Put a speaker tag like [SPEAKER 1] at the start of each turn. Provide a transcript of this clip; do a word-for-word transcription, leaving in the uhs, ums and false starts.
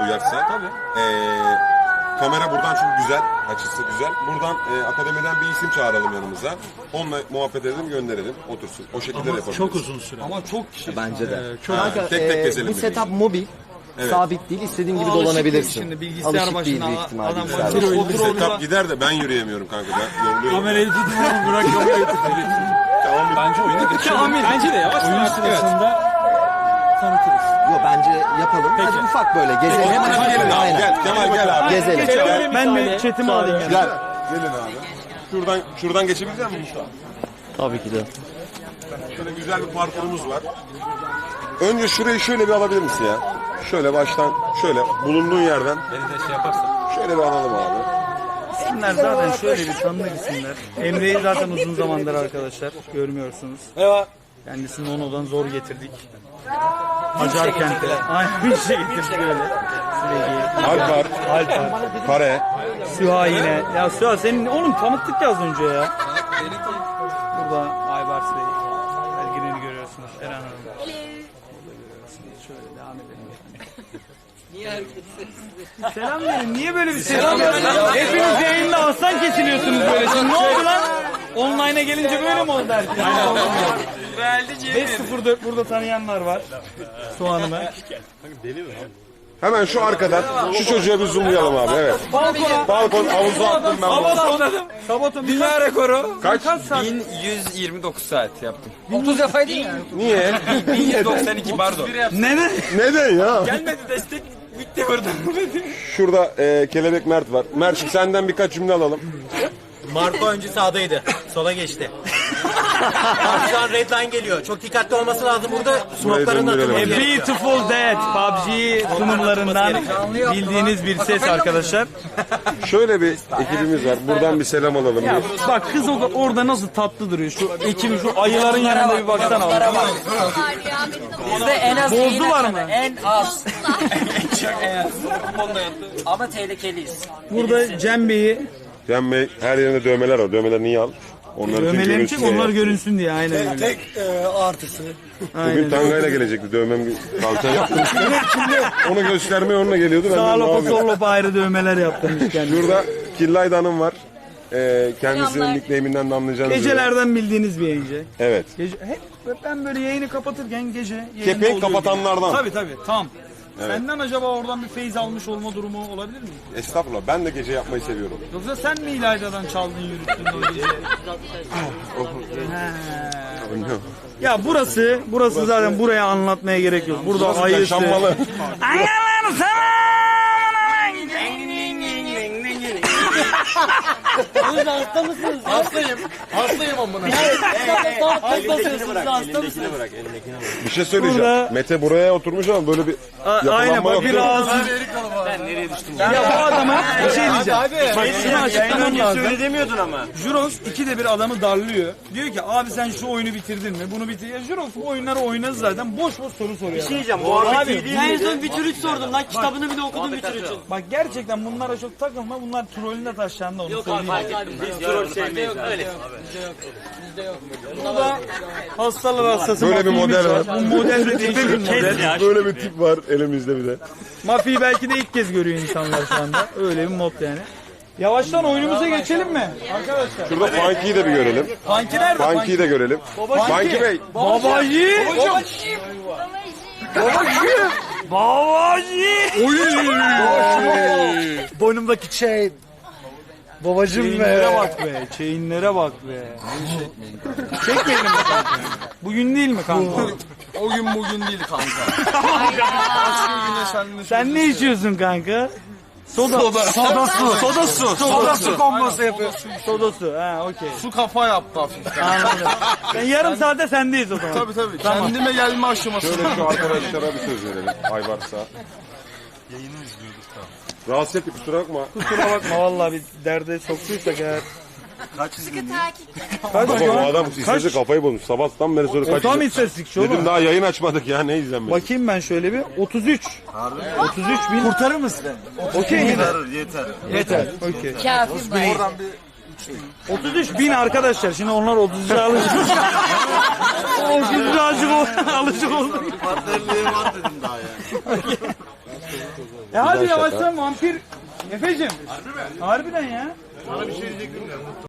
[SPEAKER 1] uyarsa. Tabii. Ee, kamera buradan çünkü güzel, açısı güzel. Buradan e, akademiden bir isim çağıralım yanımıza. Onunla muhabbet edelim, gönderelim, otursun. O şekilde de yapabiliriz.
[SPEAKER 2] Çok uzun süre.
[SPEAKER 3] Ama çok kişi.
[SPEAKER 4] Bence de.
[SPEAKER 3] Ee, çok
[SPEAKER 1] Ha, tek tek
[SPEAKER 4] Ee,
[SPEAKER 1] gezelim.
[SPEAKER 4] bu
[SPEAKER 1] dedik.
[SPEAKER 4] setup mobil.
[SPEAKER 1] Evet.
[SPEAKER 4] Sabit değil. İstediğin gibi
[SPEAKER 3] Alışık
[SPEAKER 4] dolanabilirsin.
[SPEAKER 3] değil şimdi, bilgisayar
[SPEAKER 4] Alışık değil
[SPEAKER 3] başına
[SPEAKER 4] büyük ihtimalle.
[SPEAKER 3] adam
[SPEAKER 4] bilgisayar
[SPEAKER 3] başına
[SPEAKER 4] başına.
[SPEAKER 1] O bir setup gider de ben yürüyemiyorum kanka. Ben yoruluyorum.
[SPEAKER 2] Kamerayı tutun oğlum, bırak kamerayı tutun.
[SPEAKER 1] Tamam,
[SPEAKER 2] Bence oyunu geçelim. Bence de yavaş oyun sırasında tanıtırız.
[SPEAKER 4] Yok bence yapalım. Hadi ufak böyle gezelim.
[SPEAKER 1] Hemen hadi gelin abi.
[SPEAKER 4] Aynen.
[SPEAKER 1] Gel Kemal gel abi.
[SPEAKER 4] Gezelim.
[SPEAKER 1] Gel.
[SPEAKER 3] Ben bir chatimi alayım yani.
[SPEAKER 1] Gel. Gelin abi. Şuradan şuradan geçebilecek misin Mustafa?
[SPEAKER 4] Tabii ki de.
[SPEAKER 1] Şöyle güzel bir parkurumuz var. Önce şurayı şöyle bir alabilir misin ya? Şöyle baştan şöyle bulunduğun yerden.
[SPEAKER 2] Beni de şey yaparsan.
[SPEAKER 1] Şöyle bir alalım abi.
[SPEAKER 3] İsimler zaten şöyle bir tanıdık isimler. Emre'yi zaten uzun zamandır arkadaşlar görmüyorsunuz.
[SPEAKER 2] Eyvah.
[SPEAKER 3] Kendisini Ono'dan zor getirdik. Acar kente. Aynen bir şey getirdik öyle. Sürekli.
[SPEAKER 1] Alpar,
[SPEAKER 3] Alper.
[SPEAKER 1] Kare.
[SPEAKER 3] Süha yine. Ya Süha senin oğlum tanıttık ya az önce ya. Burada Aybars Bey. Belginini görüyorsunuz. Eren Hanım. Burada görüyorsunuz. Şöyle devam edelim. Niye herkes selam verin. Niye böyle bir selam verin? Hepiniz yayında aslan kesiliyorsunuz böyle. Şimdi ne oldu lan? Online'a gelince böyle mi oldu herkes? beş sıfır dört burada tanıyanlar var. Soğan'ıma.
[SPEAKER 1] Hemen şu arkadan şu çocuğa bir zoomlayalım abi. Evet.
[SPEAKER 3] Balkona.
[SPEAKER 1] Balkon havuza attım ben bunu.
[SPEAKER 3] Sabotum. Sabotum.
[SPEAKER 2] Dünya rekoru.
[SPEAKER 1] Kaç?
[SPEAKER 2] bin yüz yirmi dokuz saat yaptım.
[SPEAKER 3] otuz yapaydın ya.
[SPEAKER 1] Niye?
[SPEAKER 2] bin yüz doksan iki pardon.
[SPEAKER 3] Neden?
[SPEAKER 1] Neden ya?
[SPEAKER 2] Gelmedi destek bitti burada.
[SPEAKER 1] Şurada e, Kelebek Mert var. Mert'im senden birkaç cümle alalım.
[SPEAKER 5] Marco önce sağdaydı. Sola geçti. Şu an red line geliyor. Çok dikkatli olması lazım burada. Smoke'ların
[SPEAKER 1] döndürelim.
[SPEAKER 5] atılması
[SPEAKER 3] A
[SPEAKER 5] gerekiyor.
[SPEAKER 3] Beautiful Dead P U B G sunumlarından bildiğiniz bir ses arkadaşlar.
[SPEAKER 1] Şöyle bir ekibimiz var. Buradan bir selam alalım.
[SPEAKER 3] Ya
[SPEAKER 1] Bir.
[SPEAKER 3] bak kız o- orada nasıl tatlı duruyor. Şu ekibin şu ayıların yanında bir baksana.
[SPEAKER 6] Bizde en az
[SPEAKER 3] Bozdular mı?
[SPEAKER 6] En az. Ama tehlikeliyiz.
[SPEAKER 3] Burada Cem Bey'i
[SPEAKER 1] Cem Bey her yerinde dövmeler var. Dövmeler niye al? Onları
[SPEAKER 3] dövmelerim
[SPEAKER 1] görünsün
[SPEAKER 3] için
[SPEAKER 1] diye.
[SPEAKER 3] onlar görünsün diye aynen öyle.
[SPEAKER 5] Tek e, artısı.
[SPEAKER 1] Bugün tangayla gelecekti. Dövmem kalça yaptım. Onu göstermeye onunla geliyordu. Ben
[SPEAKER 3] Sağ
[SPEAKER 1] de ne
[SPEAKER 3] lopa
[SPEAKER 1] yapayım?
[SPEAKER 3] sol lopa ayrı dövmeler yaptırmış kendisi.
[SPEAKER 1] Şurada Killayda Hanım var. Ee, kendisinin
[SPEAKER 6] Selamlar.
[SPEAKER 1] nickname'inden de anlayacağınız üzere.
[SPEAKER 3] Gecelerden bildiğiniz bir yayıncı.
[SPEAKER 1] Evet.
[SPEAKER 3] Gece, hep ben böyle yayını kapatırken gece yayında
[SPEAKER 1] Kepenk
[SPEAKER 3] oluyor
[SPEAKER 1] kapatanlardan.
[SPEAKER 3] gibi. Tabii tabii tam. Senden acaba oradan bir feyz almış olma durumu olabilir mi?
[SPEAKER 1] Estağfurullah. Ben de gece yapmayı seviyorum.
[SPEAKER 3] Yoksa sen mi İlayda'dan çaldın yürüttün o gece?
[SPEAKER 1] Bilmiyorum.
[SPEAKER 3] Ya burası, burası zaten buraya anlatmaya gerek yok. Burada
[SPEAKER 1] Burası
[SPEAKER 3] ayısı.
[SPEAKER 1] yaşanmalı.
[SPEAKER 3] Angalar sana.
[SPEAKER 5] Hasta mısınız? Hastayım. Hastayım amına. Elindekini bırak. Elindekini bırak. Elindekini bırak.
[SPEAKER 1] Bir şey söyleyeceğim.
[SPEAKER 3] Burada-
[SPEAKER 1] Mete buraya oturmuş ama böyle bir
[SPEAKER 3] A- Aynen
[SPEAKER 1] yapılanma
[SPEAKER 3] bak
[SPEAKER 1] yok.
[SPEAKER 3] bir
[SPEAKER 1] değil mi?
[SPEAKER 3] rahatsız.
[SPEAKER 5] Ben nereye düştüm?
[SPEAKER 3] Ya bu adama bir şey diyeceğim. Bak şunu açıklamam lazım.
[SPEAKER 5] Söyle demiyordun ama.
[SPEAKER 3] Jurox ikide bir adamı darlıyor. Diyor ki abi sen şu oyunu bitirdin mi? Bunu bitir. Ya Jurox bu oyunları oynadı zaten. Boş boş soru soruyor.
[SPEAKER 5] Bir şey diyeceğim. Muhabbet iyi değil
[SPEAKER 6] En
[SPEAKER 5] miydi?
[SPEAKER 6] son Witcher üç sordum lan. Kitabını bile okudum Witcher üçün.
[SPEAKER 3] Bak gerçekten bunlara çok takılma. Bunlar trollüne taşlandı onu söyleyeyim.
[SPEAKER 5] Biz troll sevmeyiz abi. Öyle.
[SPEAKER 3] Burada hastalar hastası
[SPEAKER 1] Böyle bir
[SPEAKER 3] mafyimiz
[SPEAKER 1] model var.
[SPEAKER 3] Bu model de değişik bir model.
[SPEAKER 1] Böyle bir tip var elimizde bir de.
[SPEAKER 3] Mafyayı belki de ilk kez görüyor insanlar şu anda. Öyle bir mod yani. Yavaştan oyunumuza geçelim mi? Arkadaşlar.
[SPEAKER 1] Şurada Funky'yi de bir görelim.
[SPEAKER 3] Funky nerede?
[SPEAKER 1] Funky'yi de görelim. Funky Bey.
[SPEAKER 3] Babacı. Babacı. Babacı.
[SPEAKER 4] Boynumdaki şey. Babacım
[SPEAKER 3] Chainlere bak be. Chainlere bak be. Çekmeyelim mi kanka? Bugün değil mi kanka?
[SPEAKER 2] O gün bugün değil kanka.
[SPEAKER 3] Sen ne içiyorsun kanka? Soda. Soda. Soda su. Soda su. Soda su kombosu yapıyorsun. Soda su. Ha okey.
[SPEAKER 2] Su kafa yaptı hafiften.
[SPEAKER 3] Anladım. Ben yarım saate sendeyiz o zaman.
[SPEAKER 2] Tabii tabii. Kendime gelme aşaması.
[SPEAKER 1] Şöyle şu arkadaşlara bir söz verelim. Ayvarsa. Yayını izliyorduk da. Rahatsız ettik kusura bakma.
[SPEAKER 3] Kusura bakma vallahi bir derde soktuysak eğer.
[SPEAKER 6] Sıkı takip.
[SPEAKER 3] Kaç
[SPEAKER 1] Baba
[SPEAKER 3] şu
[SPEAKER 1] bu
[SPEAKER 3] an?
[SPEAKER 1] adam istese kafayı bozmuş. Sabahtan beri sonra kaç.
[SPEAKER 3] Tam istatistikçi
[SPEAKER 1] Dedim
[SPEAKER 3] oğlum.
[SPEAKER 1] daha yayın açmadık ya ne izlenmedi.
[SPEAKER 3] Bakayım ben şöyle bir. otuz üç. otuz üç bin.
[SPEAKER 4] Kurtarır mısın?
[SPEAKER 3] Okey mi?
[SPEAKER 5] Yeter.
[SPEAKER 3] Yeter. Okey.
[SPEAKER 6] Kafi bay.
[SPEAKER 3] otuz üç bin arkadaşlar. Şimdi onlar otuz üçe alışık. otuz üçe alışık oldu. Alışık oldu.
[SPEAKER 5] Partnerliğe var dedim daha ya.
[SPEAKER 3] E hadi
[SPEAKER 1] Güzel şaka.
[SPEAKER 3] yavaştan vampir. Efe'cim. Harbi mi? Harbiden ya.